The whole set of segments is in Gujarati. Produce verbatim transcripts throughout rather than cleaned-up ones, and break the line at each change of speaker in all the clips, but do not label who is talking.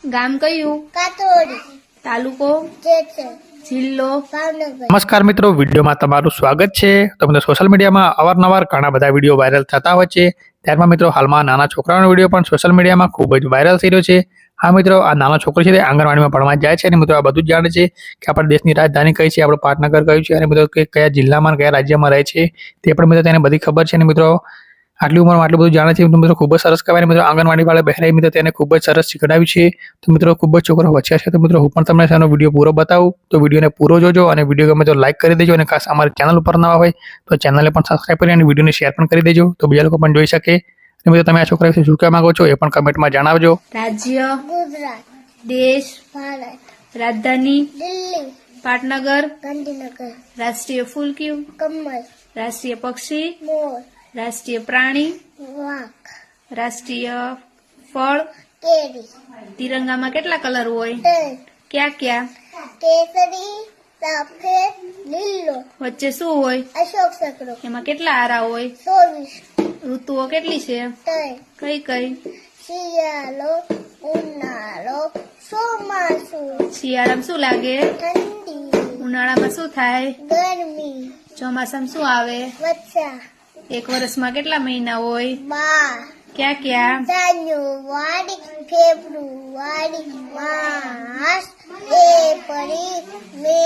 ગામ કયું?
કાતોડી
તાલુકો?
જેસર
જિલ્લો?
ભાવનગર
નમસ્કાર મિત્રો, વિડીયોમાં તમારું સ્વાગત છે. તો મિત્રો સોશિયલ મીડિયામાં અવારનવાર ઘણા બધા વિડીયો વાયરલ થતા હોય છે. ત્યારમાં મિત્રો હાલમાં નાના છોકરાઓનો વિડીયો પણ સોશિયલ મીડિયામાં ખૂબ જ વાયરલ થઈ રહ્યો છે. હા મિત્રો, આ નાનો છોકરો છે તે આંગણવાડીમાં ભણવા જાય છે અને મિત્રો આ બધું જ જાણે છે કે આપણા દેશની રાજધાની કઈ છે, આપણું પાટનગર કયું છે અને મિત્રો કે કયા જિલ્લામાં અને કયા રાજ્યમાં રહે છે તે પણ મિત્રો તેને બધી ખબર છે. અને મિત્રો આટલી ઉંમરમાં આટલું બધું જાણે છે તો મિત્રો ખૂબ જ સરસ કહેવાય. મિત્રો આંગણવાડી વાળા બહેરાઈ મિત્રો તેને ખૂબ જ સરસ શીખડાવ્યું છે. તો મિત્રો ખૂબ જ છોકરો હોશિયાર છે. તો મિત્રો હું પણ તમને તેનો વિડીયો પૂરો બતાવું, તો વિડીયોને પૂરો જોજો અને વિડીયો ગમે તો લાઈક કરી દેજો અને ખાસ અમારી ચેનલ ઉપર નવા હોય તો ચેનલને પણ સબસ્ક્રાઈબ કરી અને વિડીયોને શેર પણ કરી દેજો તો બીજા લોકો પણ જોઈ શકે. અને મિત્રો તમે આ છોકરા વિશે શું કહેવા માંગો છો એ પણ કમેન્ટમાં જણાવજો.
રાજ્ય?
ગુજરાત
દેશ?
ભારત
રાજધાની?
દિલ્હી
પાટનગર?
ગાંધીનગર
રાષ્ટ્રીય ફૂલ કયું?
કમલ
રાષ્ટ્રીય પક્ષી?
મોર
રાષ્ટ્રીય પ્રાણી?
વાઘ
રાષ્ટ્રીય ફળ?
કેરી
તિરંગામાં કેટલા કલર હોય?
ત્રણ
ક્યાં ક્યાં?
કેસરી સફેદ લીલો
વચ્ચે શું હોય?
અશોક ચક્ર
એમાં કેટલા આરા હોય?
ચોવીસ
ઋતુઓ કેટલી છે?
ત્રણ
કઈ કઈ?
શિયાળો ઉનાળો ચોમાસું
શિયાળામાં શું લાગે?
ઠંડી
ઉનાળામાં શું થાય?
ગરમી
ચોમાસામાં શું આવે?
વર્ષા
એક વર્ષમાં કેટલા મહિના હોય?
બાર
ક્યાં ક્યાં?
January February March April May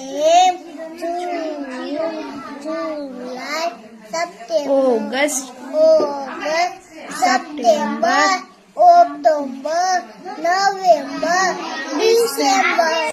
June July September
August?
August September October November December